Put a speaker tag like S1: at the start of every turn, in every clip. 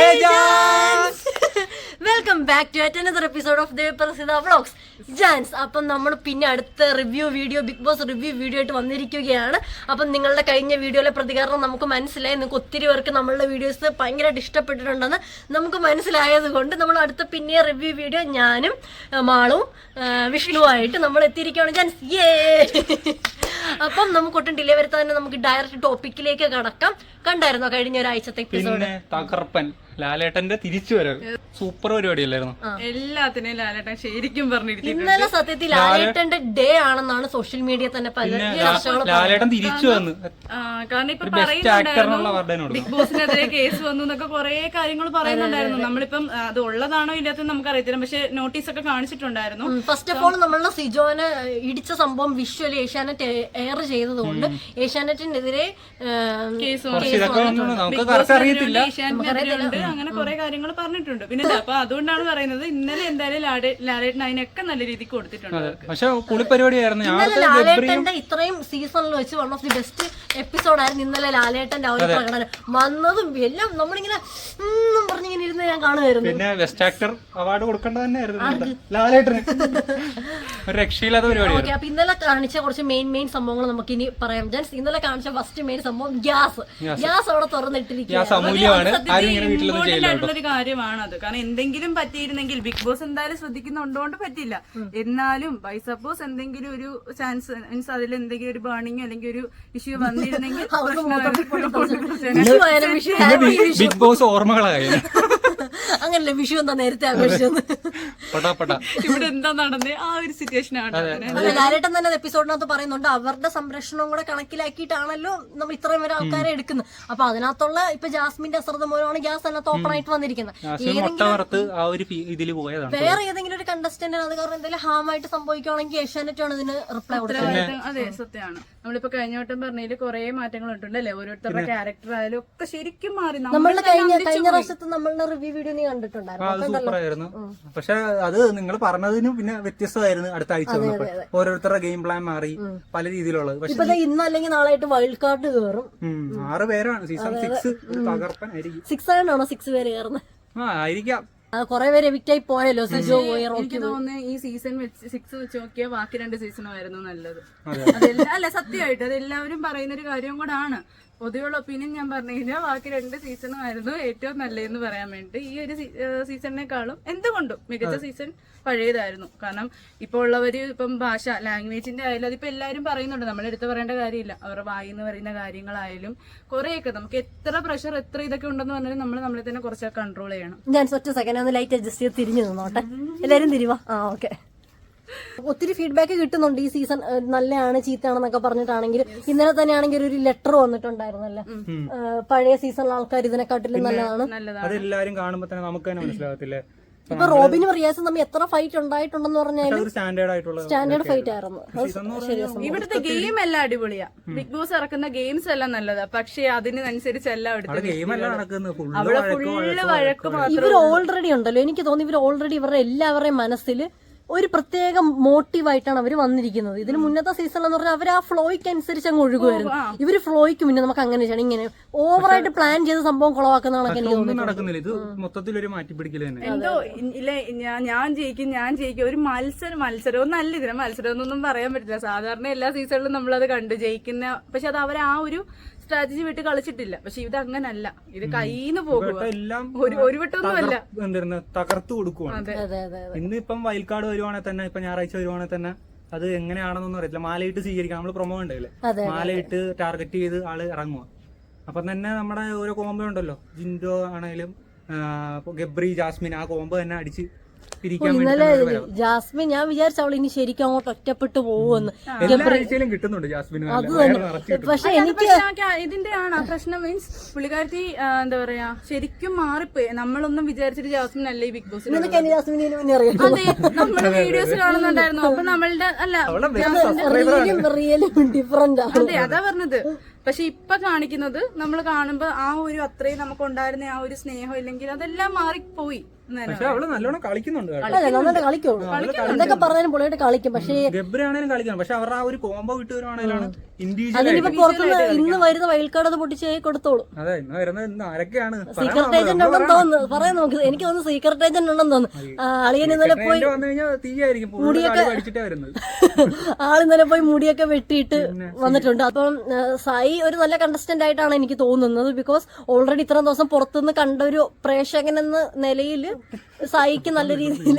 S1: Welcome back to another episode of Devaprasiddha vlogs ജാൻസ്. അപ്പം നമ്മൾ പിന്നെ അടുത്ത review video, Bigg Boss review video ആയിട്ട് വന്നിരിക്കുകയാണ്. അപ്പം നിങ്ങളുടെ കഴിഞ്ഞ വീഡിയോയിലെ പ്രതികരണം നമുക്ക് മനസ്സിലായി. നിങ്ങൾക്ക് ഒത്തിരി പേർക്ക് നമ്മളുടെ വീഡിയോസ് ഭയങ്കരമായിട്ട് ഇഷ്ടപ്പെട്ടിട്ടുണ്ടെന്ന് നമുക്ക് മനസ്സിലായത് കൊണ്ട് നമ്മൾ അടുത്ത പിന്നെ റിവ്യൂ വീഡിയോ ഞാനും മാളും വിഷ്ണുവായിട്ട് നമ്മൾ എത്തിയിരിക്കുകയാണ് ജാൻസ്. അപ്പം നമുക്ക് ഒട്ടും ഡിലേ വരുത്താൻ തന്നെ നമുക്ക് ഡയറക്റ്റ് ടോപ്പിക്കിലേക്ക് കടക്കാം. കണ്ടായിരുന്നോ കഴിഞ്ഞ ഒരാഴ്ചത്തെ എപ്പിസോഡ്?
S2: തകർപ്പൻ ലാലേട്ടന്റെ തിരിച്ചു വരവ് സൂപ്പർ പരിപാടിയല്ലായിരുന്നു.
S3: എല്ലാത്തിനും ലാലേട്ടൻ ശരിക്കും പറഞ്ഞിരിക്കുന്നു.
S1: ഇന്നലെ സത്യത്തിൽ ലാലേട്ടന്റെ ഡേ ആണെന്നാണ് സോഷ്യൽ മീഡിയ തന്നെ പല
S2: ലാലേട്ടൻ തിരിച്ചു വന്നു.
S3: കാരണം ഇപ്പൊ പറയുന്നുണ്ടായിരുന്നു ബിഗ് ബോസിനെതിരെ കേസ് വന്നു എന്നൊക്കെ കുറെ കാര്യങ്ങൾ പറയുന്നുണ്ടായിരുന്നു. നമ്മളിപ്പം അത് ഉള്ളതാണോ ഇല്ലാത്തത് നമുക്ക് അറിയത്തില്ല, പക്ഷെ നോട്ടീസ് ഒക്കെ കാണിച്ചിട്ടുണ്ടായിരുന്നു.
S1: ഫസ്റ്റ് ഓഫ് ഓൾ നമ്മളുടെ സിജോനെ ഇടിച്ച സംഭവം വിഷ്വൽ ഏഷ്യാനെറ്റ് എയർ ചെയ്തതുകൊണ്ട് ഏഷ്യാനെറ്റിനെതിരെ
S3: അങ്ങനെ കുറെ കാര്യങ്ങൾ പറഞ്ഞിട്ടുണ്ട്. പിന്നെ അപ്പൊ അതുകൊണ്ടാണ് പറയുന്നത് ഇന്നലെ എന്തായാലും ലാലേട്ടൻ അതിനൊക്കെ നല്ല രീതിക്ക് കൊടുത്തിട്ടുണ്ട്.
S1: ലാലേട്ടന്റെ ഇത്രയും സീസണിൽ വെച്ച് one of the best episode ആയിരുന്നു ഇന്നലെ ലാലേട്ടന്റെ ആ ഒരു പ്രകടനം. വന്നതും എല്ലാം നമ്മളിങ്ങനെ പറഞ്ഞിങ്ങനെ ഇരുന്ന് ഞാൻ കാണുമായിരുന്നു.
S2: പിന്നെ ബെസ്റ്റ് ആക്ടർ അവാർഡ് കൊടുക്കേണ്ടത് തന്നെയായിരുന്നു ലാലേട്ടന്. രക്ഷയില്ലാത്ത പരിപാടി.
S1: അപ്പൊ ഇന്നലെ കാണിച്ച കുറച്ച് മെയിൻ സംഭവങ്ങൾ നമുക്ക് ഇനി പറയാം. ഇന്നലെ കാണിച്ച ഫസ്റ്റ് മെയിൻ സംഭവം ഗ്യാസ് അവിടെ തുറന്നിട്ടിരിക്കുകയാണ്.
S3: ഒരു കാര്യമാണത്. കാരണം എന്തെങ്കിലും പറ്റിയിരുന്നെങ്കിൽ ബിഗ് ബോസ് എന്തായാലും ശ്രദ്ധിക്കുന്നുണ്ടോണ്ട് പറ്റില്ല. എന്നാലും ബൈ സപ്പോസ് എന്തെങ്കിലും ഒരു ചാൻസ് മീൻസ് അതിൽ എന്തെങ്കിലും ഒരു ബേണിംഗ് അല്ലെങ്കിൽ ഒരു ഇഷ്യൂ വന്നിരുന്നെങ്കിൽ
S2: ബിഗ് ബോസ് ഓർമ്മകളായി.
S1: അങ്ങനല്ലേ വിഷു എന്താ നേരത്തെ ആഘോഷിച്ചത്?
S3: ഇവിടെ എന്താ നടന്നത് ആ ഒരു സിറ്റുവേഷൻ ആണ്.
S1: ലാലേട്ടൻ തന്നെ എപ്പിസോഡിനകത്ത് പറയുന്നുണ്ട് അവരുടെ സംരക്ഷണവും കൂടെ കണക്കിലാക്കിയിട്ടാണല്ലോ നമ്മൾ ഇത്രയും വരെ ആൾക്കാരെ എടുക്കുന്നത്. അപ്പൊ അതിനകത്തുള്ള ഇപ്പൊ ജാസ്മിന്റെ അശ്രദ്ധ മൂലമാണ് ഗ്യാസ് അതിനകത്ത് ഓപ്പൺ ആയിട്ട് വന്നിരിക്കുന്നത്. വേറെ ഏതെങ്കിലും ഒരു കണ്ടസ്റ്റന്റിന് അത് കാരണം എന്തെങ്കിലും ഹാമായിട്ട് സംഭവിക്കുകയാണെങ്കിൽ ഏഷ്യാനെറ്റ് ആണ് ഇതിന് റിപ്ലൈ കൊടുക്കുന്നത്.
S3: അതെ, സത്യമാണ്. നമ്മളിപ്പോ കഴിഞ്ഞ വട്ടം പറഞ്ഞതിൽ കുറെ മാറ്റങ്ങൾ ഉണ്ടല്ലേ, ഓരോരുത്തരുടെ ക്യാരക്ടർ ആയാലും ഒക്കെ ശരിക്കും മാറി.
S1: നമ്മളുടെ കഴിഞ്ഞ പ്രാവശ്യത്തെ നമ്മളുടെ റിവ്യൂ വീഡിയോ നീ കണ്ടിട്ടുണ്ടായിരുന്നു.
S2: പക്ഷെ അത് നിങ്ങൾ പറഞ്ഞതിനും പിന്നെ വ്യത്യസ്തമായിരുന്നു. അടുത്ത ആഴ്ച ഓരോരുത്തരുടെ ഗെയിം പ്ലാൻ മാറി പല രീതിയിലുള്ളത്.
S1: പക്ഷെ ഇന്ന് അല്ലെങ്കിൽ നാളായിട്ട് വൈൽഡ് കാർഡ് കയറും.
S2: 6 പേരാണ് സീസൺ 6 തകർപ്പനായിരിക്കും.
S1: 6 ആണോ 6 പേര് കയറുന്നത്?
S2: ആയിരിക്കാം.
S1: കൊറേ പേര് എവിക്റ്റ് ആയി പോയല്ലോ.
S3: എനിക്ക് തോന്നുന്നു ഈ സീസൺ 6 വെച്ച് നോക്കിയാൽ ബാക്കി 2 സീസണും ആയിരുന്നു നല്ലത്. അതെല്ലാം അല്ല, സത്യമായിട്ട് അതെല്ലാവരും പറയുന്ന ഒരു കാര്യം കൂടാണ്. പൊതുവെയുള്ള ഒപ്പീനിയൻ ഞാൻ പറഞ്ഞു കഴിഞ്ഞാൽ ബാക്കി 2 സീസണും ആയിരുന്നു ഏറ്റവും നല്ലതെന്ന് പറയാൻ വേണ്ടി. ഈ ഒരു സീസണിനെക്കാളും എന്തുകൊണ്ടും മികച്ച സീസൺ പഴയതായിരുന്നു. കാരണം ഇപ്പോൾ ഉള്ളവര് ഇപ്പം ഭാഷ ലാംഗ്വേജിന്റെ ആയാലും അതിപ്പോ എല്ലാവരും പറയുന്നുണ്ട്, നമ്മളെടുത്ത് പറയേണ്ട കാര്യമില്ല. അവരുടെ വായിന്ന് പറയുന്ന കാര്യങ്ങളായാലും കുറെയൊക്കെ നമുക്ക് എത്ര പ്രഷർ എത്ര ഇതൊക്കെ ഉണ്ടെന്ന് പറഞ്ഞാലും നമ്മളെ തന്നെ കുറച്ചൊക്കെ കൺട്രോൾ ചെയ്യണം.
S1: ഞാൻ ഒറ്റ സെക്കൻഡ് ഒന്ന് ലൈറ്റ് അഡ്ജസ്റ്റ് ചെയ്ത് തിരിഞ്ഞു നിന്നോട്ടെ. എല്ലാരും തിരിവാ. ഓക്കെ. ഒത്തിരി ഫീഡ്ബാക്ക് കിട്ടുന്നുണ്ട് ഈ സീസൺ നല്ലതാണ് ചീത്തയാണെന്നൊക്കെ പറഞ്ഞിട്ടാണെങ്കിൽ. ഇന്നലെ തന്നെ ആണെങ്കിൽ ഒരു ലെറ്റർ വന്നിട്ടുണ്ടായിരുന്നല്ലേ, പഴയ സീസണിലെ ആൾക്കാർ ഇതിനെക്കാട്ടിലും നല്ലതാണ്.
S2: അതെല്ലാരും കാണുമ്പോ തന്നെ നമുക്ക് തന്നെ മനസ്സിലാകത്തില്ലേ.
S1: ഇപ്പൊ റോബിനും റിയാസും തമ്മിൽ എത്ര ഫൈറ്റ് ഉണ്ടായിട്ടുണ്ടെന്ന് പറഞ്ഞാലും സ്റ്റാൻഡേർഡ് ഫൈറ്റ് ആയിരുന്നു.
S3: ഇവിടുത്തെ ഗെയിം എല്ലാം അടിപൊളിയാ. ബിഗ് ബോസ് ഇറക്കുന്ന ഗെയിംസ് എല്ലാം നല്ലതാ, പക്ഷെ അതിനനുസരിച്ചല്ല അവിടെ ഫുള്ള് വഴക്ക് മാത്രം.
S1: ഇവർ ഓൾറെഡി ഉണ്ടല്ലോ, എനിക്ക് തോന്നുന്നു ഇവർ ഓൾറെഡി ഇവരുടെ എല്ലാവരുടെയും മനസ്സിൽ ഒരു പ്രത്യേക മോട്ടീവായിട്ടാണ് അവർ വന്നിരിക്കുന്നത്. ഇതിന് മുന്നത്തെ സീസണിൽ എന്ന് പറഞ്ഞാൽ അവർ ആ ഫ്ലോയ്ക്ക് അനുസരിച്ച് അങ്ങ് ഒഴുകുമായിരുന്നു. ഇവര് ഫ്ലോയ്ക്ക് മുന്നേ നമുക്ക് അങ്ങനെ ചെയ്യണം, ഇങ്ങനെ ഓവറായിട്ട് പ്ലാൻ ചെയ്ത സംഭവം കുളവാക്കുന്നതാണ് എനിക്ക്
S3: തോന്നുന്നത്. എന്തോ ഇല്ല, ഞാൻ ജയിക്കും ഒരു മത്സരം ഒന്നല്ല. ഇതിനെ മത്സരം എന്നൊന്നും പറയാൻ പറ്റില്ല. സാധാരണ എല്ലാ സീസണിലും നമ്മളത് കണ്ടു ജയിക്കുന്ന, പക്ഷെ അത് അവർ ആ ഒരു സ്ട്രാറ്റജി വിട്ട് കളിച്ചിട്ടില്ല. പക്ഷെ ഇത് അങ്ങനല്ല, ഇത് കയ്യിന്ന് പോകുക, ഒരു വട്ടമൊന്നുമല്ല,
S2: തകർത്തു കൊടുക്കുവാണ്. ഇന്നിപ്പം വൈൽഡ് കാർഡ് വരുവാണെങ്കിൽ തന്നെ, ഇപ്പൊ ഞായറാഴ്ച വരുവാണെങ്കിൽ തന്നെ അത് എങ്ങനെയാണെന്നൊന്നും അറിയില്ല. മാലയിട്ട് സ്വീകരിക്കാം. നമ്മള് പ്രൊമോ ഉണ്ടല്ലേ, മാലയിട്ട് ടാർഗറ്റ് ചെയ്ത് ആള് ഇറങ്ങുക. അപ്പം തന്നെ നമ്മുടെ ഓരോ കോംബോ ഉണ്ടല്ലോ, ജിൻഡോ ആണെങ്കിലും ഗബ്രി ജാസ്മിൻ, ആ കോംബോ തന്നെ അടിച്ച്
S1: ഇന്നലെ ജാസ്മിൻ ഞാൻ വിചാരിച്ച അവൾ ഇനി ശരിക്കും അങ്ങോട്ട് ഒറ്റപ്പെട്ടു പോകുമെന്ന്.
S3: പക്ഷെ എനിക്ക് ഇതിന്റെ ആണ് പ്രശ്നം. മീൻസ് പുള്ളിക്കാരത്തി എന്താ പറയാ ശരിക്കും മാറിപ്പോയി. നമ്മളൊന്നും വിചാരിച്ചിട്ട് ജാസ്മിൻ അല്ലേ ഈ ബിഗ് ബോസ്. അതെ, നമ്മള് വീഡിയോസ് കാണുന്നുണ്ടായിരുന്നു. അപ്പൊ നമ്മളുടെ അല്ല
S1: ഡിഫറന്റ്.
S3: അതെ, അതാ പറഞ്ഞത്. പക്ഷെ ഇപ്പൊ കാണിക്കുന്നത് നമ്മൾ കാണുമ്പോ ആ ഒരു അത്രയും നമുക്ക് ഉണ്ടായിരുന്ന ആ ഒരു സ്നേഹം ഇല്ലെങ്കിൽ അതെല്ലാം മാറിപ്പോയി.
S2: പക്ഷെ അവള് നല്ലോണം കളിക്കുന്നുണ്ട് കേട്ടോ.
S1: അല്ലേ നന്നായിട്ട് കളിക്കുള്ളൂ. എന്തൊക്കെ പറഞ്ഞാലും പൊളിയായിട്ട് കളിക്കും. പക്ഷേ
S2: ഗബ്രിയാണേലും കളിക്കണം. പക്ഷെ അവരുടെ ആ ഒരു കോംബോ വിട്ട് വരുവാണേലാണ് ഇൻഡിവിജ്വൽ
S1: അതിനിപ്പോ പുറത്തുനിന്ന് ഇന്ന് വരുന്ന വൈൽഡ് കാർഡ് അത് പൊട്ടിച്ച് കൊടുത്തോളൂ.
S2: അതെ ഇന്ന് വരുന്നത് ആരൊക്കെയാണ്
S1: സീക്രട്ട് ഏജന്റ് ഉണ്ടെന്ന് തോന്നുന്നു. പറയാൻ നമുക്ക് എനിക്ക് തോന്നുന്നു സീക്രട്ട് ഏജന്റ് ഉണ്ടെന്ന് തോന്നുന്നു. അളിയൻ ഇന്നലെ പോയി
S2: വന്നു കഴിഞ്ഞാൽ തീയായിരിക്കും പഠിച്ചിട്ടേ വരുന്നത്.
S1: ആളിന്നലെ പോയി മുടിയൊക്കെ വെട്ടിയിട്ട് വന്നിട്ടുണ്ട്. അപ്പം സായി ഒരു നല്ല കണ്ടസ്റ്റന്റ് ആയിട്ടാണ് എനിക്ക് തോന്നുന്നത്. ബിക്കോസ് ഓൾറെഡി ഇത്രയും ദിവസം പുറത്തുനിന്ന് കണ്ട ഒരു പ്രേക്ഷകൻ എന്ന നിലയിൽ സായിക്ക് നല്ല രീതിയിൽ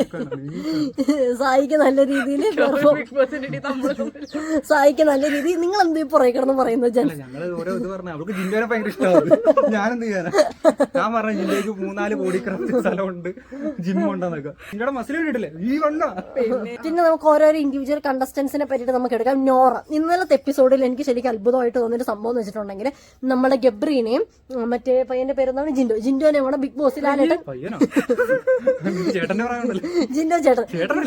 S1: നിങ്ങൾ എന്ത് പുറകെ കിടന്ന് പറയുന്നത്?
S2: ഞങ്ങള് ഓരോ ഇത് പറഞ്ഞു അവർക്ക് ജിൻഡോനെ ഭയങ്കര ഇഷ്ടമാണ്. ഞാനെന്ത് ചെയ്യാനാ? ഞാൻ പറഞ്ഞ ജിൻഡോയ്ക്ക് 3-4 ബോഡി ക്രാഫ്റ്റ് സ്ഥലമുണ്ട്, ജിമ്മുണ്ടെന്നൊക്കെ. ജിൻഡോയുടെ മസിൽ കണ്ടിട്ടില്ലേ ഈ വണ്ണ.
S1: പിന്നെ നമുക്ക് ഓരോരോ ഇൻഡിവിജ്വൽ കണ്ടസ്റ്റൻസിനെ പറ്റിയിട്ട് നമുക്ക് എടുക്കാം. നോറ ഇന്നലത്തെ എപ്പിസോഡിൽ എനിക്ക് ശരിക്കും അത്ഭുതമായിട്ട് തോന്നിയൊരു സംഭവം എന്ന് വെച്ചിട്ടുണ്ടെങ്കിൽ നമ്മുടെ ഗബ്രീനെയും മറ്റേ പയ്യന്റെ പേരെന്താണ് ജിൻഡോനെയും കൂടെ ബിഗ് ബോസിൽ ലാലേട്ടൻ ജിൻഡോ ചേട്ടൻ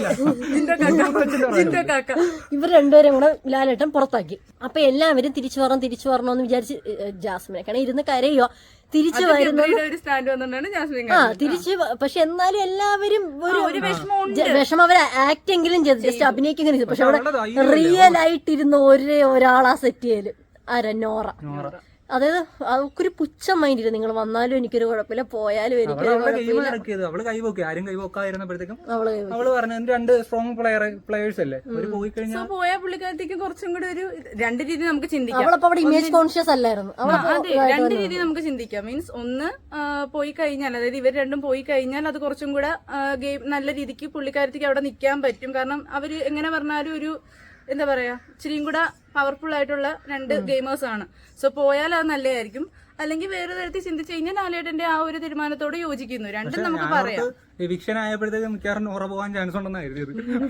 S1: ഇവർ രണ്ടുപേരും കൂടെ ലാലേട്ടൻ പുറത്താക്കി. അപ്പൊ എല്ലാവരും തിരിച്ചു വരണമെന്ന് വിചാരിച്ച് ജാസ്മിനെ ഇരുന്ന് കരയോ തിരിച്ചു വരുന്നത്. തിരിച്ച് പക്ഷെ എന്നാലും എല്ലാവരും ഒരു വിഷമം അവര് ആക്ടെങ്കിലും ചെയ്തു, ജസ്റ്റ് അഭിനയിക്കെങ്കിലും ചെയ്തു. പക്ഷെ അവിടെ റിയൽ ആയിട്ടിരുന്ന ഒരാളാ സെറ്റ് ചെയ്യല് ആരാ? നോറ. അതായത് അവക്കൊരു പുച്ഛം മൈൻഡില്ല. നിങ്ങൾ വന്നാലും എനിക്കൊരു കുഴപ്പമില്ല, പോയാലും എനിക്കൊരു കുഴപ്പമില്ല.
S2: അവള് കൈപോക്കി ആരും കൈപോക്കായിരുന്നപ്പോഴത്തേക്കും അവള് പറഞ്ഞു 2 സ്ട്രോങ് പ്ലെയേഴ്സ് അല്ലേ അവര് പോയി കഴിഞ്ഞാൽ
S3: പോയ പുള്ളിക്കാരത്തേക്ക് കുറച്ചും കൂടെ ഒരു 2 രീതി നമുക്ക് ചിന്തിക്കാം.
S1: അവളപ്പോ അവിടെ ഇമേജ് കോൺഷ്യസ് അല്ലായിരുന്നു.
S3: അതെ 2 രീതി നമുക്ക് ചിന്തിക്കാം. മീൻസ് ഒന്ന് പോയി കഴിഞ്ഞാൽ, അതായത് ഇവർ രണ്ടും പോയി കഴിഞ്ഞാൽ അത് കുറച്ചും കൂടെ ഗെയിം നല്ല രീതിക്ക് പുള്ളിക്കാരത്തേക്ക് അവിടെ നിൽക്കാൻ പറ്റും. കാരണം അവര് എങ്ങനെ പറഞ്ഞാലും ഒരു എന്താ പറയാ ഇച്ചിരിയും കൂടെ പവർഫുൾ ആയിട്ടുള്ള 2 ഗെയിമേഴ്സ് ആണ്. സോ പോയാൽ അത് നല്ലതായിരിക്കും. അല്ലെങ്കിൽ വേറെ തരത്തിൽ ചിന്തിച്ചു കഴിഞ്ഞാൽ ലാലേട്ടന്റെ ആ ഒരു തീരുമാനത്തോട് യോജിക്കുന്നു. രണ്ടും നമുക്ക് പറയാം.
S2: എവിക്ഷൻ ആയപ്പോഴത്തേക്കും മിക്കവാറും നോറ പോകാൻ ചാൻസ് ഉണ്ടെന്നായിരുന്നു.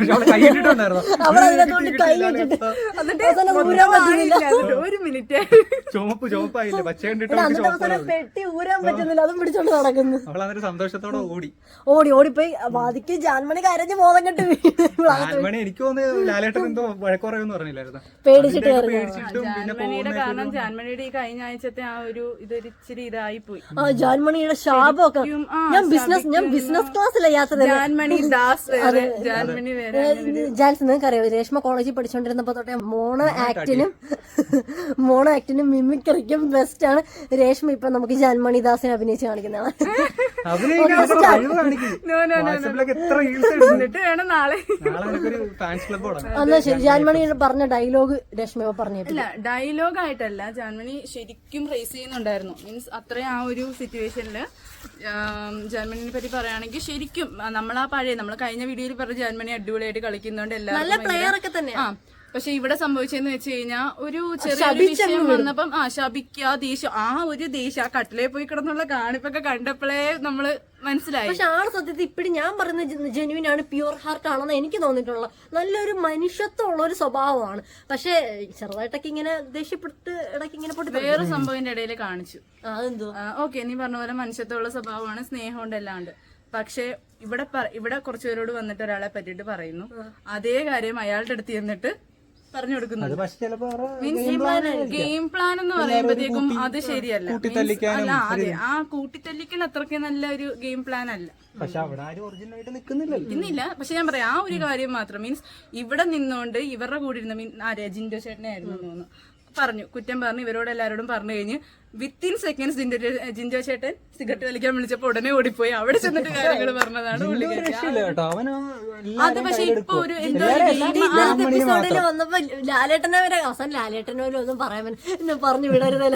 S3: ഒരു മിനിറ്റ്
S2: ചുമപ്പായില്ലേ പച്ച കണ്ടിട്ട്
S1: പെട്ടി ഊരാൻ പറ്റുന്നില്ല, അതും പിടിച്ചോണ്ട് നടക്കുന്നു.
S2: അവളതൊരു സന്തോഷത്തോടെ
S1: ഓടിപ്പോയി വാദിക്ക് ജാൻമണി കരഞ്ഞ് ബോധം കെട്ട്
S2: ജാൻമണി. എനിക്ക് തോന്നുന്നു ലാലേട്ടൻ എന്തോ വഴക്കുറയെന്ന് പറഞ്ഞില്ലായിരുന്നു,
S1: പേടിച്ചിട്ട്.
S3: ജാൻമണിയുടെ കാരണം ജാൻമണിയുടെ ഈ കഴിഞ്ഞ ആഴ്ചത്തെ ആ ഒരു ഇതൊരു ഇച്ചിരി ഇതായി പോയി.
S1: ജാൻമണിയുടെ ശാപമൊക്കെ ഞാൻ ബിസിനസ് ക്ലാസ്സിലെ യാത്ര ജാൻസ് നിങ്ങൾക്കറിയാം രേഷ്മ കോളേജിൽ പഠിച്ചോണ്ടിരുന്നപ്പോ തൊട്ടേ മോണോ ആക്ടിനും മിമിക്രിക്കും ബെസ്റ്റ് ആണ് രേഷ്മ. ഇപ്പൊ നമുക്ക് ജാൻമണി ദാസിനെ അഭിനയിച്ച് കാണിക്കുന്നതാണ്. എന്നാ ശരി, ജാൻമണി പറഞ്ഞ ഡയലോഗ് രേഷ്മ പറഞ്ഞിട്ടില്ല.
S3: ഡയലോഗ് ആയിട്ടല്ല, ജാൻമണി ശരിക്കും റേസ് ചെയ്യുന്നുണ്ടായിരുന്നു. മീൻസ് അത്രയും ആ ഒരു സിറ്റുവേഷനില് ജർമ്മനിയെ പറ്റി പറയുകയാണെങ്കിൽ ശരിക്കും നമ്മൾ കഴിഞ്ഞ വീഡിയോയിൽ പറഞ്ഞ ജർമ്മനി അടിപൊളിയായിട്ട് കളിക്കുന്നുണ്ട് എല്ലാവരും. പക്ഷെ ഇവിടെ സംഭവിച്ചെന്ന് വെച്ച് കഴിഞ്ഞാൽ ഒരു ചെറിയൊരു വിഷയം വന്നപ്പം ശപിക്കുക, ദേഷ്യം, ആ ഒരു ദേഷ്യം ആ കട്ടിലേ പോയി കിടന്നുള്ള കാണിപ്പൊക്കെ കണ്ടപ്പോഴേ നമ്മള് മനസ്സിലായി.
S1: പക്ഷെ ആള് സത്യത്തിൽ ഇപ്പഴും ഞാൻ പറയുന്ന ജെന്യുവിൻ ആണ്, പ്യുവർ ഹാർട്ട് ആണെന്ന് എനിക്ക് തോന്നിയിട്ടുള്ള നല്ലൊരു മനുഷ്യത്വമുള്ള ഒരു സ്വഭാവമാണ്. പക്ഷെ ചെറുതായിട്ടൊക്കെ ഇങ്ങനെ ദേഷ്യപ്പെട്ട് ഇടയ്ക്ക് ഇങ്ങനെ പൊട്ടി
S3: വേറെ സംഭവത്തിന്റെ ഇടയിൽ കാണിച്ചു.
S1: അതെന്തോ
S3: ഓക്കെ, നീ പറഞ്ഞ പോലെ മനുഷ്യത്വമുള്ള സ്വഭാവമാണ്, സ്നേഹമുണ്ട് എല്ലാം ഉണ്ട്. പക്ഷെ ഇവിടെ കുറച്ചുപേരോട് വന്നിട്ട് ഒരാളെ പറ്റിയിട്ട് പറയുന്നു, അതേ കാര്യം അയാളുടെ അടുത്ത് ചെന്നിട്ട് പറഞ്ഞു കൊടുക്കുന്നത്. ഗെയിം പ്ലാൻ എന്ന് പറയുമ്പോഴത്തേക്കും അത് ശരിയല്ല. അതെ, ആ കൂട്ടിത്തല്ലിക്കൽ അത്രയ്ക്ക് നല്ല ഒരു ഗെയിം പ്ലാൻ അല്ല. ഇന്നില്ല. പക്ഷെ ഞാൻ പറയാം, ആ ഒരു കാര്യം മാത്രം മീൻസ് ഇവിടെ നിന്നോണ്ട് ഇവരുടെ കൂടെ ഇരുന്ന ജിൻഡോ ചേട്ടനെ ആയിരുന്നു തോന്നുന്നു പറഞ്ഞു, കുറ്റം പറഞ്ഞു, ഇവരോട് എല്ലാവരോടും പറഞ്ഞു കഴിഞ്ഞ് വിത്തിൻ സെക്കൻഡ്സ് ജിൻഡോ ചേട്ടൻ സിഗരറ്റ് വലിക്കാൻ വിളിച്ചപ്പോ ഉടനെ ഓടിപ്പോയി അവിടെ ചെന്നിട്ട് കാര്യങ്ങൾ പറഞ്ഞതാണ്. അത് പക്ഷെ ഇപ്പൊ ഒരു
S1: എപ്പിസോഡിൽ വന്നപ്പോ ലാലേട്ടനെ വരെ അവസാനം ലാലേട്ടനെ വരെ ഒന്നും പറയാൻ പറഞ്ഞു വിടരുതല്ല.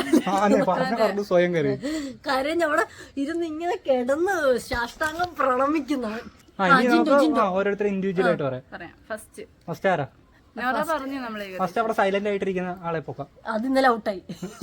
S1: കാര്യം അവിടെ ഇരുന്ന് ഇങ്ങനെ കിടന്ന് സാഷ്ടാംഗം പ്രണമിക്കുന്നവൻ.
S2: ഓരോരുത്തർ ഇൻഡിവിജ്വൽ ആയിട്ട് പറയാം. ഫസ്റ്റ് ആരാ? ഫസ്റ്റ് അവിടെ സൈലന്റ് ആയിട്ടിരിക്കുന്ന ആളെ പോക്കാം.
S1: അത് ഇന്നലെ ഔട്ടായി.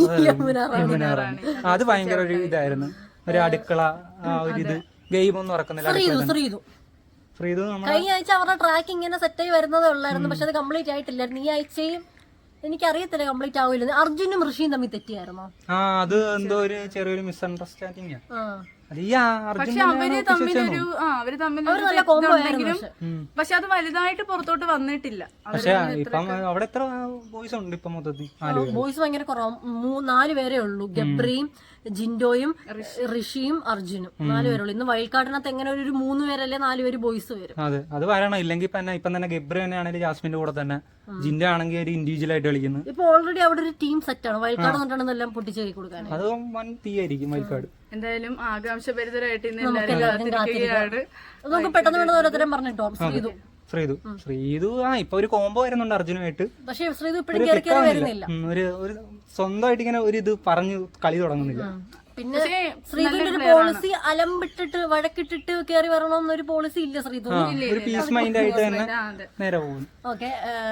S2: അത് ഭയങ്കര ഒരു ഇതായിരുന്നു, ഒരു അടുക്കള ഒരു ഇത് ഗെയിം ഒന്നും നടക്കുന്നില്ല.
S1: ശ്രീതു കഴിഞ്ഞ ആഴ്ച അവരുടെ ട്രാക്ക് ഇങ്ങനെ സെറ്റായി വരുന്നതേ ഉള്ളായിരുന്നു, പക്ഷെ അത് കംപ്ലീറ്റ് ആയിട്ടില്ലായിരുന്നു. ഈ ആഴ്ചയും എനിക്കറിയത്തില്ല കംപ്ലീറ്റ് ആവില്ലെന്ന്. അർജുനും ഋഷിയും തമ്മിൽ തെറ്റിയായിരുന്നോ?
S2: അത് എന്തോ ഒരു ചെറിയൊരു മിസ്അണ്ടർസ്റ്റാൻഡിങ് അത് ഈ
S3: പക്ഷെ അവര് തമ്മിലൊരു അവര് തമ്മിലൊരു ഇതുണ്ടെങ്കിലും പക്ഷെ അത് വലുതായിട്ട് പുറത്തോട്ട് വന്നിട്ടില്ല.
S2: പക്ഷെ ഇപ്പം അവിടെ എത്ര ബോയ്സ് ഉണ്ട് ഇപ്പൊ മൊത്തത്തിൽ?
S1: ബോയ്സ് ഭയങ്കര കുറവ്, 4 പേരേ ഉള്ളൂ. ഗബ്രിയും ജിൻഡോയും ഋഷിയും അർജുനും 4 പേരുള്ളൂ. ഇന്ന് വൈൽഡ് കാർഡിനകത്ത് എങ്ങനെ ഒരു 3 പേരല്ലേ 4 പേര് ബോയ്സ് വരും.
S2: അതെ, അത് വരണം. ഇല്ലെങ്കിൽ ഇപ്പം തന്നെ ഗബ്രി തന്നെ ആണെങ്കിൽ ജാസ്മിന്റെ കൂടെ തന്നെ, ജിൻഡോ ആണെങ്കിൽ ഒരു ഇൻഡിവിജ്വൽ ആയിട്ട് കളിക്കുന്നു.
S1: ഇപ്പൊ ഓൾറെഡി അവിടെ ഒരു ടീം സെറ്റ് ആണ്. വൈൽഡ് കാർഡ് എന്നിട്ടാണ് എല്ലാം പൊട്ടിച്ചേരി കൊടുക്കാൻ.
S2: അത് വൻ തീയായിരിക്കും വൈൽഡ് കാർഡ്.
S3: എന്തായാലും ആകാംക്ഷഭരിതരായിട്ട് ഇന്ന് എല്ലാവരും കാത്തിരിക്കുകയാണ്.
S1: നമുക്ക് പെട്ടെന്ന് വേണ്ടത് ഓരോരുത്തരും പറഞ്ഞിട്ടോ.
S2: ശ്രീതു ഇപ്പൊ ഒരു കോംബോ വരുന്നുണ്ട് അർജുനുമായിട്ട്.
S1: പക്ഷെ ശ്രീതു ഇപ്പോഴും കയറി കയറി വരുന്നില്ല.
S2: ഒരു സ്വന്തമായിട്ട് ഇങ്ങനെ ഒരു ഇത് പറഞ്ഞു കളി തുടങ്ങുന്നില്ല.
S1: പിന്നെ ശ്രീതുവിന്റെ ഒരു പോളിസി അലമ്പിട്ടിട്ട് വഴക്കിട്ടിട്ട് കയറി വരണമെന്നൊരു പോളിസി ഇല്ല ശ്രീതു.
S2: ഒരു പീസ് മൈൻഡ് ആയിട്ട് തന്നെ നേരെ പോകുന്നു.
S1: ഓക്കെ,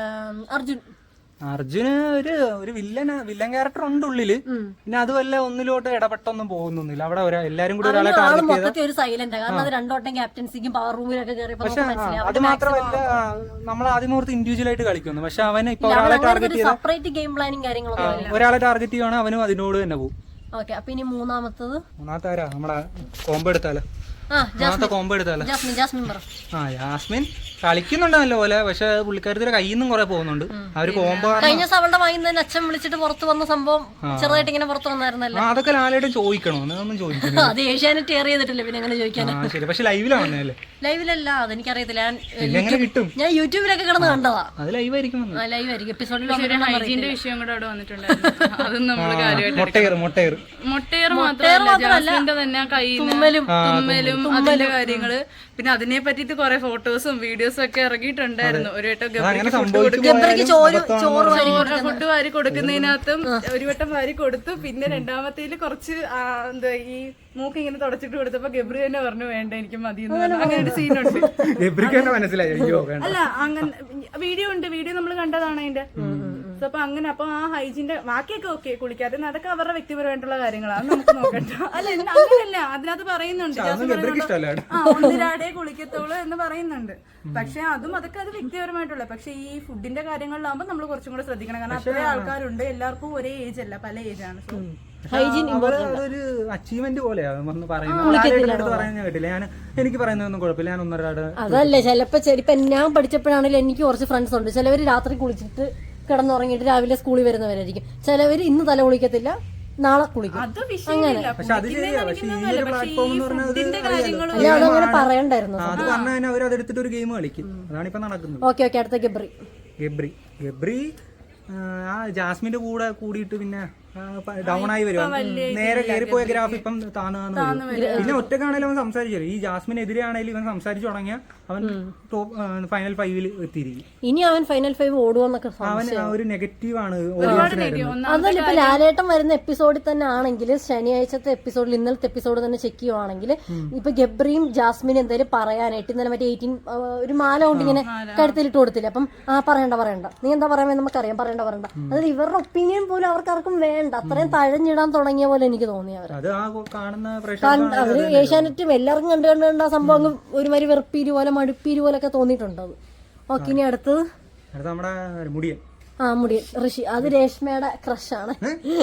S2: അർജുന് ഒരു വില്ലൻ ക്യാരക്ടർ ഉണ്ട് ഉള്ളില്. പിന്നെ അതുമല്ല ഒന്നിലോട്ട് ഇടപെട്ടൊന്നും പോകുന്നില്ല. അവിടെ എല്ലാരും കൂടി ഒരാളെ
S1: മൊത്തത്തിൽ ഒരു സൈലന്റ്, കാരണം അത് 2 വട്ടം ക്യാപ്റ്റൻസിക്കും പവർ റൂമിലൊക്കെ കയറിയപ്പോ
S2: അത് മാത്രമല്ല നമ്മൾ ആദ്യം ഓർത്ത് ഇൻഡിവിജ്വൽ ആയിട്ട് കളിക്കുന്നു. പക്ഷെ അവന് ഇപ്പൊ ഒരാളെ ടാർഗറ്റ് ചെയ്ത
S1: സെപ്പറേറ്റ് ഗെയിം പ്ലാനിങ് കാര്യങ്ങളൊന്നും
S2: ഒരാളെ ടാർഗറ്റ് ചെയ്യുവാണെങ്കിൽ അവനും അതിനോട് തന്നെ പോകും.
S1: ഓക്കെ, അപ്പൊ ഇനി മൂന്നാമത്തെ
S2: ആരാ? നമ്മളെ കോംബോ എടുത്താലോ? കോംബോ എടുത്താലോ? ജാസ്മിൻ കളിക്കുന്നുണ്ട് നല്ല പോലെ. പക്ഷെ പുള്ളിക്കാരത്തിന്റെ കയ്യിൽ നിന്നും കുറെ പോകുന്നുണ്ട്. അവര് കോംബോ
S1: കഴിഞ്ഞ ദിവസം അവളുടെ വായിന്ന് തന്നെ അച്ഛൻ വിളിച്ചിട്ട് പുറത്ത് വന്ന സംഭവം ചെറുതായിട്ട് ഇങ്ങനെ പുറത്ത് വന്നായിരുന്നല്ലോ.
S2: അതൊക്കെ ലാലായിട്ട് ചോദിക്കണോ? ഒന്നും ചോദിക്കുന്നു.
S1: അത് ഏഷ്യാനെറ്റ് എയർ ചെയ്തിട്ടില്ല, പിന്നെ അങ്ങനെ ചോദിക്കാനാ.
S2: ശരി, പക്ഷെ ലൈവിലാണല്ലേ?
S1: ലൈവിലല്ല, അതെനിക്കറിയത്തില്ല.
S2: കിട്ടും,
S1: ഞാൻ യൂട്യൂബിലൊക്കെ കിടന്ന് കണ്ടതാ.
S2: അത് ലൈവായിരിക്കും.
S1: ലൈവായിരിക്കും. എപ്പിസോഡിൽ
S3: വിഷയം കൂടെ അവിടെ വന്നിട്ടുണ്ടായിരുന്നു. അതും നമ്മള് കാര്യമായിട്ട് മൊട്ടയർ മാത്രമല്ല തന്നെ തുമ്മലും അതിന്റെ കാര്യങ്ങള്, പിന്നെ അതിനെ പറ്റിട്ട് കുറെ ഫോട്ടോസും വീഡിയോസും ഒക്കെ ഇറങ്ങിയിട്ടുണ്ടായിരുന്നു. ഒരു വട്ടം ഫുഡ് വാരി കൊടുക്കുന്നതിനകത്തും ഒരു വട്ടം വാരി കൊടുത്തു. പിന്നെ രണ്ടാമത്തേല് കുറച്ച് എന്താ ഈ മൂക്ക് ഇങ്ങനെ തുടച്ചിട്ട് കൊടുത്തപ്പോ ഗബ്രി തന്നെ പറഞ്ഞു വേണ്ട എനിക്ക് മതി എന്ന് പറഞ്ഞു. അങ്ങനെ ഒരു സീനുണ്ട്. അല്ല, അങ്ങനെ വീഡിയോ ഉണ്ട്, വീഡിയോ നമ്മൾ കണ്ടതാണ് അതിന്റെ. അപ്പൊ അങ്ങനെ അപ്പൊ ആ ഹൈജീന്റെ ബാക്കിയൊക്കെ ഓക്കെ, കുളിക്കാതെ അതൊക്കെ അവരുടെ വ്യക്തിപരമായിട്ടുള്ള കാര്യങ്ങളാണ്, നമുക്ക് നോക്കണ്ട. അല്ല, അങ്ങനെയല്ല, അതിനകത്ത് പറയുന്നുണ്ട് 1 കുളിക്കത്തോളൂ എന്ന് പറയുന്നുണ്ട്. പക്ഷെ അതൊക്കെ അത് വ്യക്തിപരമായിട്ടുള്ള. പക്ഷെ ഈ ഫുഡിന്റെ കാര്യങ്ങളിലാകുമ്പോൾ നമ്മൾ കുറച്ചും കൂടെ ശ്രദ്ധിക്കണം. കാരണം അത്രയും ആൾക്കാരുണ്ട്, എല്ലാവർക്കും ഒരേ ഏജ് അല്ല, പല ഏജാണ്.
S2: അതൊരു അച്ചീവ്മെന്റ് പോലെയാണ് പറയുന്നത്. കേട്ടില്ല ഞാൻ, എനിക്ക് പറയുന്നതൊന്നും കുഴപ്പമില്ല. ഞാൻ 1.5
S1: അതല്ലേ ചിലപ്പോ ഇപ്പൊ ഞാൻ പഠിച്ചപ്പോഴാണെങ്കിലും എനിക്ക് കുറച്ച് ഫ്രണ്ട്സ് ഉണ്ട്. ചിലവര് രാത്രി കുളിച്ചിട്ട് കിടന്നുറങ്ങിയിട്ട് രാവിലെ സ്കൂളിൽ വരുന്നവരായിരിക്കും. ചിലവര് ഇന്ന് തല കുളിക്കത്തില്ല, നാളെ കുളിക്കും. അങ്ങനെ അതങ്ങനെ പറയണ്ടായിരുന്നു.
S2: അത് പറഞ്ഞാൽ അവർ അതെടുത്തിട്ട് ഒരു ഗെയിം കളിക്കും. അതാണ് ഇപ്പൊ നടക്കുന്നത്.
S1: ഓക്കെ, അടുത്ത
S2: ഗബ്രി ആ ജാസ്മിന്റെ കൂടെ കൂടിയിട്ട് പിന്നെ ഡൗൺ ആയി വരും. നേരെ കയറിപ്പോയ ഗ്രാഫ് ഇപ്പം താന്ന് പിന്നെ ഒറ്റക്കാണേലും അവൻ സംസാരിച്ചു. ഈ ജാസ്മിനെതിരെ ആണെങ്കിലും ഇവൻ സംസാരിച്ചു തുടങ്ങിയ അവൻ ഫൈനൽ 5 എത്തിയിരിക്കും.
S1: ഇനി അവൻ ഫൈനൽ 5 ഓടുവെന്നൊക്കെ
S2: അവൻ ഒരു നെഗറ്റീവ് ആണ്.
S1: അതല്ല, ഇപ്പൊ ലാലേട്ടൻ വരുന്ന എപ്പിസോഡിൽ തന്നെ ആണെങ്കിൽ, ശനിയാഴ്ചത്തെ എപ്പിസോഡിൽ ഇന്നലത്തെ എപ്പിസോഡ് തന്നെ ചെക്ക് ചെയ്യുവാണെങ്കിൽ, ഇപ്പൊ ഗബ്രിയും ജാസ്മിനും എന്തായാലും പറയാനായിട്ട് ഇന്നലെ മറ്റേ 18 ഒരു മാല കൊണ്ട് ഇങ്ങനെ കഴുത്തിലിട്ട് കൊടുത്തില്ല. അപ്പം പറയണ്ട നീ എന്താ പറയാൻ നമുക്കറിയാം, പറയണ്ട. അതായത് ഇവരുടെ ഒപ്പീനിയൻ പോലും അവർക്കാർക്കും വേണ്ട. അത്രയും തഴഞ്ഞിടാൻ തുടങ്ങിയ പോലെ എനിക്ക് തോന്നി. അവര് ഏഷ്യാനെറ്റും എല്ലാവർക്കും കണ്ട് ആ സംഭവം ഒരുമാതിരി വെറുപ്പീര് പോലെ മടുപ്പീര് പോലെ ഒക്കെ തോന്നിയിട്ടുണ്ട്. ഓക്കെ, ഇനി അടുത്തത് മുടിയൻ ഋഷി. അത് രേഷ്മയുടെ ക്രഷാണ്.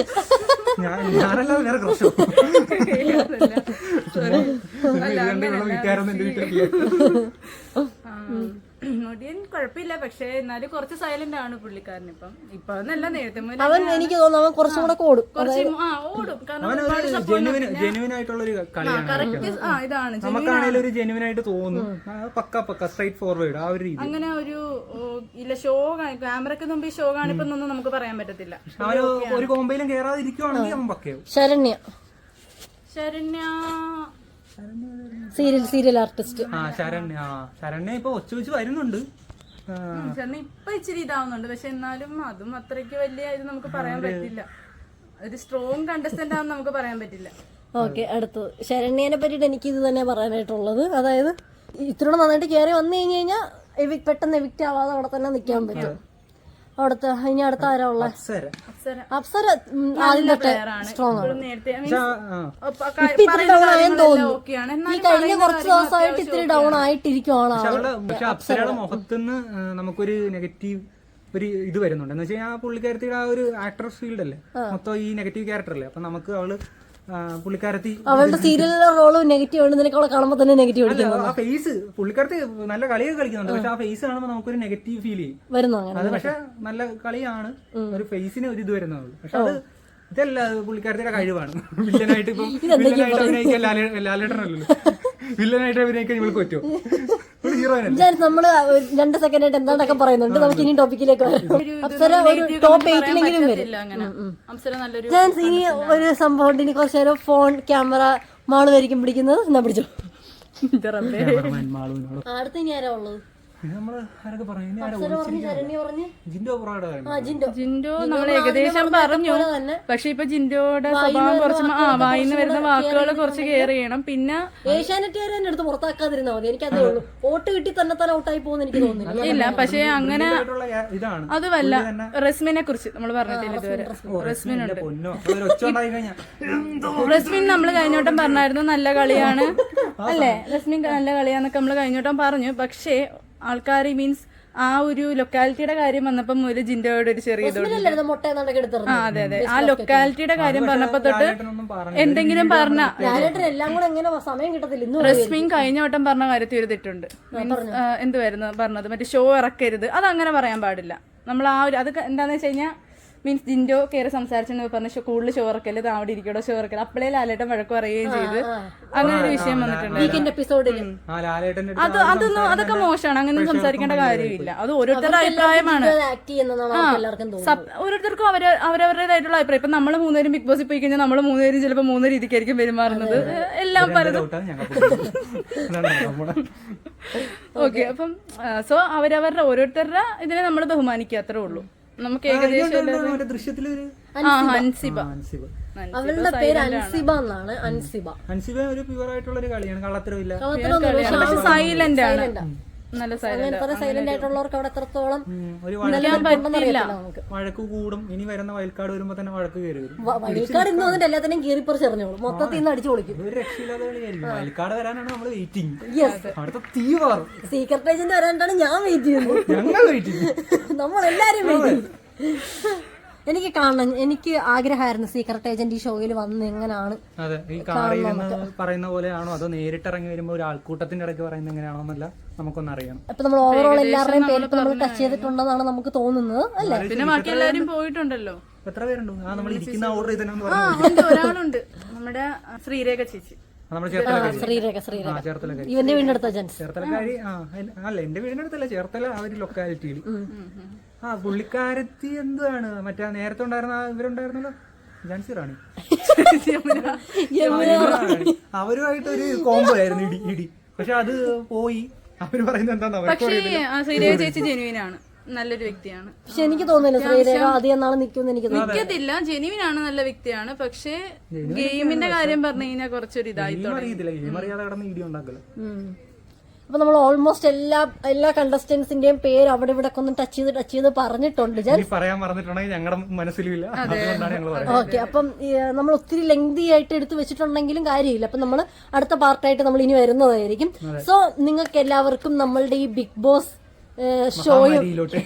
S3: മുടിയൻ കുഴപ്പമില്ല, പക്ഷെ എന്നാലും കുറച്ച് സൈലന്റ് ആണ് പുള്ളിക്കാരൻ. ഇപ്പൊ എന്നല്ല, നേരത്തെ
S1: അവൻ എനിക്ക് തോന്നുന്നു അവൻ കുറച്ചും കൂടെ ഓടും.
S3: ഇതാണ്
S2: നമുക്കാണെങ്കിലും ഒരു ജെന്യുവൻ ആയിട്ട് തോന്നും. പക്ക സ്ട്രൈറ്റ് ഫോർവേഡ് ആ ഒരു രീതി.
S3: അങ്ങനെ ഒരു ഇല്ല ഷോ ക്യാമറക്ക് മുമ്പ് ഷോ കാണിപ്പൊന്നും നമുക്ക് പറയാൻ പറ്റത്തില്ല.
S2: അവന് ഒരു കോമ്പയിലും കേറാതിരിക്കുവാണെങ്കിൽ അവൻ പക്കയാവും.
S1: Saranya serial artist.
S2: ശരണ്യ ഇപ്പൊ ഒച്ച വരുന്നുണ്ട്.
S3: ഇപ്പൊ ഇച്ചിരി ഇതാവുന്നുണ്ട്. പക്ഷെ എന്നാലും അതും അത്രയ്ക്ക് വലിയ ഇത് നമുക്ക് പറയാൻ പറ്റില്ല. ഒരു സ്ട്രോങ് കണ്ടസ്റ്റന്റ് ആണെന്ന് നമുക്ക് പറയാൻ പറ്റില്ല.
S1: ഓക്കെ, അടുത്തത് ശരണ്യനെ പറ്റിയിട്ട് എനിക്ക് ഇത് തന്നെ പറയാനായിട്ടുള്ളത്. അതായത് ഇത്തിരി നന്നായിട്ട് കയറി വന്നു കഴിഞ്ഞാൽ പെട്ടെന്ന് എവിക്റ്റ് ആവാതെ അവിടെ തന്നെ നിൽക്കാൻ പറ്റും. ഇനി അടുത്ത ആരാ ഉള്ള? അപ്സര ആദ്യം തൊട്ട് സ്ട്രോങ് ആണ്. ഇത്തിരി ഡൗൺ ആയെന്ന് തോന്നുന്നു. ഈ കഴിഞ്ഞ കുറച്ച് ദിവസമായിട്ട് ഇത്തിരി ഡൗൺ ആയിട്ടിരിക്കുവാണ്.
S2: പക്ഷെ അപ്സരയുടെ മുഖത്തുനിന്ന് നമുക്കൊരു നെഗറ്റീവ് ഒരു ഇത് വരുന്നുണ്ട്. എന്ന് വെച്ചാൽ ആ പുള്ളിക്കാരത്തിയുടെ ആ ഒരു ആക്ട്രസ് ഫീൽഡ് അല്ലേ മൊത്തം ഈ നെഗറ്റീവ് ക്യാരക്ടർ അല്ലേ. അപ്പൊ നമുക്ക് അവള് പുള്ളിക്കാരത്തി
S1: അവളുടെ സീരിയലിലെ റോള് നെഗറ്റീവ് ആണ്, നിനക്ക് അവളെ കാണുമ്പോൾ തന്നെ നെഗറ്റീവ് അടിക്കുന്നു
S2: ആ ഫേസ് പുള്ളിക്കാരത്തി നല്ല കളിയൊക്കെ കളിക്കുന്നുണ്ട്, പക്ഷെ ആ ഫേസ് കാണുമ്പോൾ നമുക്കൊരു നെഗറ്റീവ് ഫീൽ ചെയ്യും.
S1: വരുന്നു അങ്ങനെ.
S2: അത് പക്ഷെ നല്ല കളിയാണ്, ഒരു ഫേസിന് ഒരു ഇത് വരുന്നുള്ളൂ. പക്ഷെ അത് ഇതല്ല പുള്ളിക്കാരത്തിന്റെ കഴിവാണ്. വില്ലനായിട്ട് ഇപ്പം വില്ലനായിട്ട് അഭിനയിക്കാൻ ലാലേട്ടനല്ലോ, വില്ലനായിട്ട് അഭിനയിക്കാൻ ഇവൾക്ക് പറ്റുമോ? ഹീറോയിനല്ലേ.
S1: നമ്മള് 2 സെക്കൻഡ് ആയിട്ട് എന്താണ്ടൊക്കെ പറയുന്നുണ്ട്, നമുക്ക് ഇനി ടോപ്പിക്കിലേക്ക് വരാം. അപ്സര ഒരു ടോപ്പ് 8-ലെങ്കിലും വരും.
S3: അപ്സര നല്ലൊരു
S1: ഞാൻ ഇനി ഒരു സംഭവം ഉണ്ട്, ഇനി കുറച്ചു നേരം ഫോൺ ക്യാമറ മാള് വരിക്കും പിടിക്കുന്നത് എന്നാ പിടിച്ചു. അടുത്ത് ഇനി ആരാ ഉള്ളത്?
S2: നമ്മള് ആരൊക്കെ പറഞ്ഞു,
S3: ജിൻഡോ നമ്മൾ ഏകദേശം പറഞ്ഞു. പക്ഷെ ഇപ്പൊ ജിൻഡോയുടെ സ്വഭാവം കുറച്ച് വായിന്ന് വരുന്ന വാക്കുകൾ കുറച്ച് കെയർ ചെയ്യണം. പിന്നെ
S1: ഏഷ്യാനെറ്റുകാരെ എന്നെ അടുത്ത് പുറത്താക്കാതിരുന്നാ മതി, എനിക്കതേ ഉള്ളൂ. വോട്ട് കിട്ടി തന്നെ ഔട്ടായി പോകുന്ന എനിക്ക് തോന്നുന്നില്ല.
S3: ഇല്ല, പക്ഷെ അങ്ങനെ അതുമല്ല. റസ്മിനെ കുറിച്ച് നമ്മൾ പറഞ്ഞിട്ടില്ല ഇതുവരെ. റസ്മിനുണ്ട്. റസ്മിൻ നമ്മൾ കഴിഞ്ഞോട്ടം പറഞ്ഞായിരുന്നു നല്ല കളിയാണ് അല്ലേ, റസ്മിൻ നല്ല കളിയാന്നൊക്കെ നമ്മൾ കഴിഞ്ഞോട്ടം പറഞ്ഞു. പക്ഷേ ആൾക്കാർ മീൻസ് ആ ഒരു ലൊക്കാലിറ്റിയുടെ കാര്യം വന്നപ്പോ മുതൽ ജിൻഡോയുടെ ഒരു ചെറിയ അതെ അതെ, ആ ലൊക്കാലിറ്റിയുടെ കാര്യം പറഞ്ഞപ്പോ തൊട്ട് എന്തെങ്കിലും പറഞ്ഞ റസ്മിൻ കഴിഞ്ഞ വട്ടം പറഞ്ഞ കാര്യത്തിൽ ഒരു തെറ്റുണ്ട്. എന്തുവായിരുന്നു പറഞ്ഞത്, മറ്റേ ഷോ ഇറക്കരുത്, അതങ്ങനെ പറയാൻ പാടില്ല. നമ്മൾ ആ ഒരു അത് എന്താന്ന് വെച്ച് കഴിഞ്ഞാൽ മീൻസ് ജിൻഡോ കയറി സംസാരിച്ചെന്ന് പറഞ്ഞ കൂടുതൽ ഷോ ഇറക്കല്, അവിടെ ഇരിക്കടോ ഷോ ഇറക്കല്, അപ്പളേ ലാലേട്ടൻ വഴക്ക് പറയുകയും ചെയ്ത് അങ്ങനെ ഒരു വിഷയം വന്നിട്ടുണ്ട്. അതൊക്കെ മോശമാണ്, അങ്ങനെ സംസാരിക്കേണ്ട കാര്യമില്ല. അത് ഓരോരുത്തരുടെ അഭിപ്രായമാണ്. ഓരോരുത്തർക്കും അവരവരുടേതായിട്ടുള്ള അഭിപ്രായം. ഇപ്പൊ നമ്മള് 3 പേരും ബിഗ് ബോസിൽ പോയി കഴിഞ്ഞാൽ നമ്മള് 3 പേരും ചിലപ്പോൾ 3 രീതിക്കായിരിക്കും പെരുമാറുന്നത്. എല്ലാം പലതും. ഓക്കെ, അപ്പം സോ അവരവരുടെ ഓരോരുത്തരുടെ ഇതിനെ നമ്മൾ ബഹുമാനിക്കുക, അത്രേ ഉള്ളൂ. നമുക്ക് ഏകദേശം
S1: അവളുടെ പേര് അൻസിബ എന്നാണ്.
S2: അൻസിബ ഒരു പ്യുവർ ആയിട്ടുള്ള ഒരു കളിയാണ്, കള്ളത്തരമില്ല,
S3: സൈലന്റ് ആണ്, നല്ല
S1: സൈലന്റ് ആയിട്ടുള്ളവർക്ക് അവിടെ എത്രത്തോളം
S2: വഴക്ക് കൂടും. ഇനി വരുന്ന വയൽക്കാട് വരുമ്പോ തന്നെ വഴക്ക് കയറി വരും.
S1: വയൽക്കാട് ഇന്ന് വന്നിട്ട് എല്ലാത്തിനും കീറിപ്പറിച്ചെറിഞ്ഞോളൂ, മൊത്തത്തിൽ നിന്ന് അടിച്ചു പൊളിക്കും.
S2: ഒരു രക്ഷയില്ലാത്ത കളിയായിരിക്കും. വയൽക്കാട് വരാനാണ് നമ്മള് വെയിറ്റിംഗ്. അടുത്ത തീ മാറും.
S1: സീക്രട്ട് ഏജന്റ് വരാനാണ് ഞാൻ വെയിറ്റ് ചെയ്യുന്നത്.
S2: ഞങ്ങൾ വെയിറ്റിംഗ്,
S1: നമ്മളെല്ലാരും വെയിറ്റ് ചെയ്യും. എനിക്ക് കാണണം, എനിക്ക് ആഗ്രഹമായിരുന്നു സീക്രട്ട് ഏജന്റ് ഈ ഷോയിൽ വന്ന് എങ്ങനെയാണ്.
S2: അതെ, ഈ കാറിൽ പറയുന്ന പോലെയാണോ അതോ നേരിട്ട് ഇറങ്ങി വരുമ്പോ ഒരു ആൾക്കൂട്ടത്തിന്റെ ഇടയ്ക്ക് പറയുന്നത് എങ്ങനെയാണോ എന്നല്ല നമുക്കൊന്ന് അറിയണം.
S1: ഇപ്പൊ നമ്മൾ ഓവറോൾ എല്ലാവരുടെയും പേര് നമ്മൾ ടച്ച് ചെയ്തിട്ടുണ്ടെന്നാണ് നമുക്ക് തോന്നുന്നത് അല്ലേ?
S3: പിന്നെ ബാക്കി എല്ലാവരും പോയിട്ടുണ്ടല്ലോ.
S2: എത്ര പേരുണ്ട്? നമ്മൾ ഇരിക്കുന്ന ഓർഡർ ചെയ്തെന്ന്
S3: ഒരാളുണ്ട്, നമ്മുടെ ശ്രീരേഖ ചേച്ചി.
S1: ഇവന്റെ വീടിനടുത്ത
S2: ചേർത്തലക്കാരി. അല്ല, എന്റെ വീടിനടുത്തല്ല, ചേർത്തല ആ ഒരു ലൊക്കാലിറ്റിയിൽ. ആ പുള്ളിക്കാരത്തി എന്താണ് മറ്റേ നേരത്തെ ഉണ്ടായിരുന്ന ഇവരുണ്ടായിരുന്നല്ലോ, ജാൻസി റാണി, അവരുമായിട്ട് ഒരു കോംബോ ആയിരുന്നു ഇടി. പക്ഷെ അത് പോയി. അവര് പറയുന്നത് എന്താ,
S3: പക്ഷേ ശ്രീരേഖ ചേച്ചി ജെനുവിനാണ്, നല്ലൊരു വ്യക്തിയാണ്.
S1: പക്ഷെ എനിക്ക് തോന്നുന്നില്ല ശ്രീരേഖ അധികം നാളെ
S3: നിൽക്കത്തില്ല. ജെനുവിനാണ്, നല്ല വ്യക്തിയാണ്. പക്ഷെ ഗെയിമിന്റെ കാര്യം പറഞ്ഞു കഴിഞ്ഞാൽ കുറച്ചൊരു
S1: അപ്പൊ നമ്മൾ ഓൾമോസ്റ്റ് എല്ലാ കണ്ടസ്റ്റന്റ്സിന്റെയും പേര് അവിടെ ഇവിടെ ഒന്ന് ടച്ച് ചെയ്ത് പറഞ്ഞിട്ടുണ്ട്.
S2: പറയാൻ പറഞ്ഞിട്ടുണ്ടെങ്കിൽ ഞങ്ങളുടെ മനസ്സിലില്ല.
S1: ഓക്കെ, അപ്പം നമ്മൾ ഒത്തിരി ലെങ്തി ആയിട്ട് എടുത്തു വെച്ചിട്ടുണ്ടെങ്കിലും കാര്യമില്ല. അപ്പൊ നമ്മൾ അടുത്ത പാർട്ടായിട്ട് നമ്മൾ ഇനി വരുന്നതായിരിക്കും. സോ നിങ്ങൾക്ക് എല്ലാവർക്കും നമ്മളുടെ ഈ ബിഗ് ബോസ് ഷോയും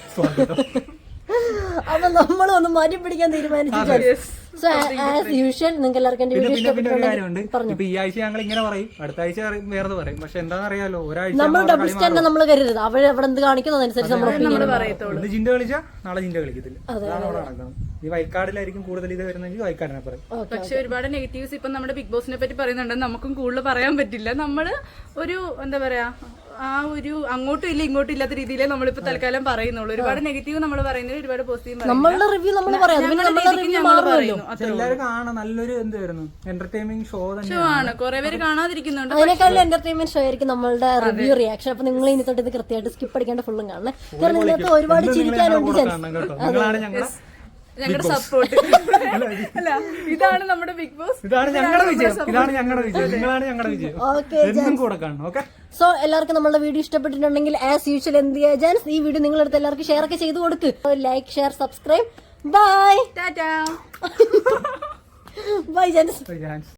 S1: അപ്പൊ നമ്മൾ ഒന്ന് മാറ്റി പിടിക്കാൻ തീരുമാനിച്ചു. സോ ആസ് യൂഷ്വൽ നിങ്ങൾക്ക് എല്ലാവർക്കും എന്റെ വീഡിയോ
S2: ഇഷ്ടപ്പെട്ടുണ്ടെങ്കിൽ ഈ ആഴ്ച ഞങ്ങൾ ഇങ്ങനെ പറയും, അടുത്ത ആഴ്ച വേറെ പറയും. പക്ഷെ എന്താണെന്നറിയാലോ, ഒരാഴ്ച
S1: നമ്മൾ ഡബിൾ സ്റ്റാൻഡ് നമ്മൾ കരുതരുത്. അവിടെ എവിടെ എന്ത് കാണിക്കുന്നതനുസരിച്ച് നമ്മൾ
S2: ഇന്ന് ജിൻഡ കളിച്ചാ നാളെ ജിൻഡ കളിക്കത്തില്ല. അതാണ് അവിടെ നടക്കുന്നത്. ഈ വയൽക്കാടിലായിരിക്കും കൂടുതൽ ഇത് വരുന്നെങ്കിൽ വയൽക്കാടിനെ പറയും.
S3: പക്ഷെ ഒരുപാട് നെഗറ്റീവ്സ് ഇപ്പൊ നമ്മുടെ ബിഗ് ബോസിനെ പറ്റി പറയുന്നുണ്ട്. നമുക്കും കൂടുതൽ പറയാൻ പറ്റില്ല. നമ്മള് ഒരു എന്താ പറയാ, ആ ഒരു അങ്ങോട്ടും ഇല്ല ഇങ്ങോട്ടും ഇല്ലാത്ത രീതിയിലേ നമ്മളിപ്പോ തൽക്കാലം പറയുന്നുള്ളൂ. ഒരുപാട് നെഗറ്റീവ് നമ്മൾ പറയുന്നത്, ഒരുപാട് പോസിറ്റീവ്
S1: നമ്മളുടെ റിവ്യൂ നമ്മൾ പറയുന്നു.
S2: എല്ലാവരും കാണാൻ നല്ലൊരു എന്തായിരുന്നു എന്റർടൈൻമെന്റ് ഷോ
S3: ആണ്. കുറെ പേര് കാണാതിരിക്കുന്നുണ്ട്.
S1: അതിനേക്കാളും എന്റർടൈൻമെന്റ് ഷോ ആയിരിക്കും നമ്മളുടെ റിവ്യൂ റിയാക്ഷൻ. അപ്പൊ നിങ്ങൾ ഇനി തൊട്ട് ഇത് കൃത്യമായിട്ട് സ്കിപ്പ് അടിക്കാണ്ട് ഫുള്ളും കാണണം. കാരണം ഇതിനകത്ത് ഒരുപാട് ചിരിക്കാനുണ്ട്.
S3: ഞങ്ങളുടെ സപ്പോർട്ട് അല്ല, ഇതാണ് നമ്മുടെ ബിഗ് ബോസ്,
S2: ഇതാണ് ഞങ്ങളുടെ വിജയം, ഇതാണ് ഞങ്ങളുടെ വിജയം, നിങ്ങളാണ് ഞങ്ങളുടെ വിജയം.
S1: സോ എല്ലാവർക്കും നമ്മുടെ വീഡിയോ ഇഷ്ടപ്പെട്ടിട്ടുണ്ടെങ്കിൽ ആസ് യൂഷ്വൽ എന്ത് ചെയ്യാ ജാൻസ്, ഈ വീഡിയോ നിങ്ങളടുത്ത് എല്ലാവർക്കും ഷെയർ ഒക്കെ ചെയ്ത് കൊടുക്ക്. Like, share, subscribe. Bye,
S3: tata.
S1: Bye Jans.